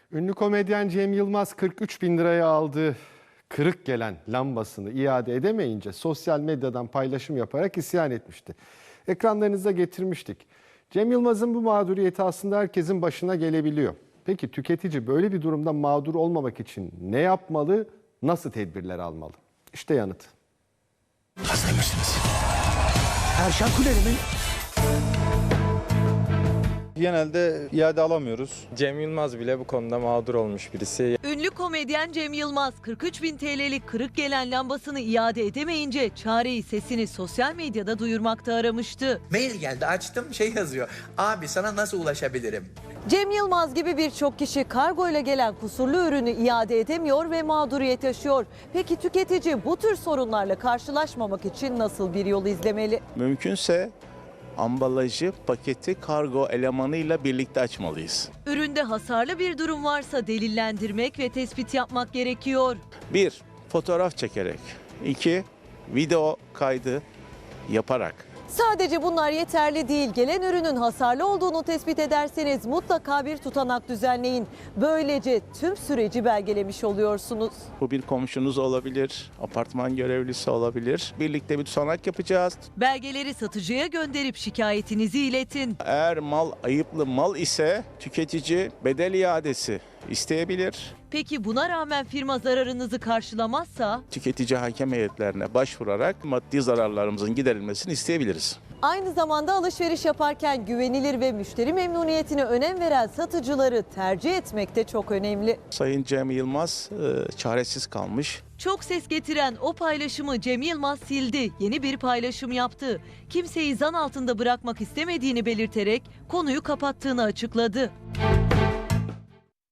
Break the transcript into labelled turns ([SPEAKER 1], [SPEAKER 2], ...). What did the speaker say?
[SPEAKER 1] Ünlü komedyen Cem Yılmaz 43 bin liraya aldığı kırık gelen lambasını iade edemeyince sosyal medyadan paylaşım yaparak isyan etmişti. Ekranlarınıza getirmiştik. Cem Yılmaz'ın bu mağduriyeti aslında herkesin başına gelebiliyor. Peki tüketici böyle bir durumda mağdur olmamak için ne yapmalı, nasıl tedbirler almalı? İşte yanıt.
[SPEAKER 2] Hazır mısınız? Erşan Kuneri mi?
[SPEAKER 3] Genelde iade alamıyoruz. Cem Yılmaz bile bu konuda mağdur olmuş birisi.
[SPEAKER 4] Ünlü komedyen Cem Yılmaz 43 bin TL'lik kırık gelen lambasını iade edemeyince çareyi sesini sosyal medyada duyurmakta aramıştı.
[SPEAKER 2] Mail geldi, açtım, yazıyor. Abi sana nasıl ulaşabilirim?
[SPEAKER 4] Cem Yılmaz gibi birçok kişi kargo ile gelen kusurlu ürünü iade edemiyor ve mağduriyet yaşıyor. Peki tüketici bu tür sorunlarla karşılaşmamak için nasıl bir yol izlemeli?
[SPEAKER 5] Mümkünse ambalajı, paketi kargo elemanıyla birlikte açmalıyız.
[SPEAKER 4] Üründe hasarlı bir durum varsa delillendirmek ve tespit yapmak gerekiyor.
[SPEAKER 5] 1. Fotoğraf çekerek. 2. Video kaydı yaparak.
[SPEAKER 4] Sadece bunlar yeterli değil. Gelen ürünün hasarlı olduğunu tespit ederseniz mutlaka bir tutanak düzenleyin. Böylece tüm süreci belgelemiş oluyorsunuz.
[SPEAKER 5] Bu bir komşunuz olabilir, apartman görevlisi olabilir. Birlikte bir tutanak yapacağız.
[SPEAKER 4] Belgeleri satıcıya gönderip şikayetinizi iletin.
[SPEAKER 5] Eğer mal ayıplı mal ise tüketici bedel iadesi isteyebilir.
[SPEAKER 4] Peki buna rağmen firma zararınızı karşılamazsa?
[SPEAKER 5] Tüketici hakem heyetlerine başvurarak maddi zararlarımızın giderilmesini isteyebiliriz.
[SPEAKER 4] Aynı zamanda alışveriş yaparken güvenilir ve müşteri memnuniyetine önem veren satıcıları tercih etmek de çok önemli.
[SPEAKER 5] Sayın Cem Yılmaz çaresiz kalmış.
[SPEAKER 4] Çok ses getiren o paylaşımı Cem Yılmaz sildi. Yeni bir paylaşım yaptı. Kimseyi zan altında bırakmak istemediğini belirterek konuyu kapattığını açıkladı.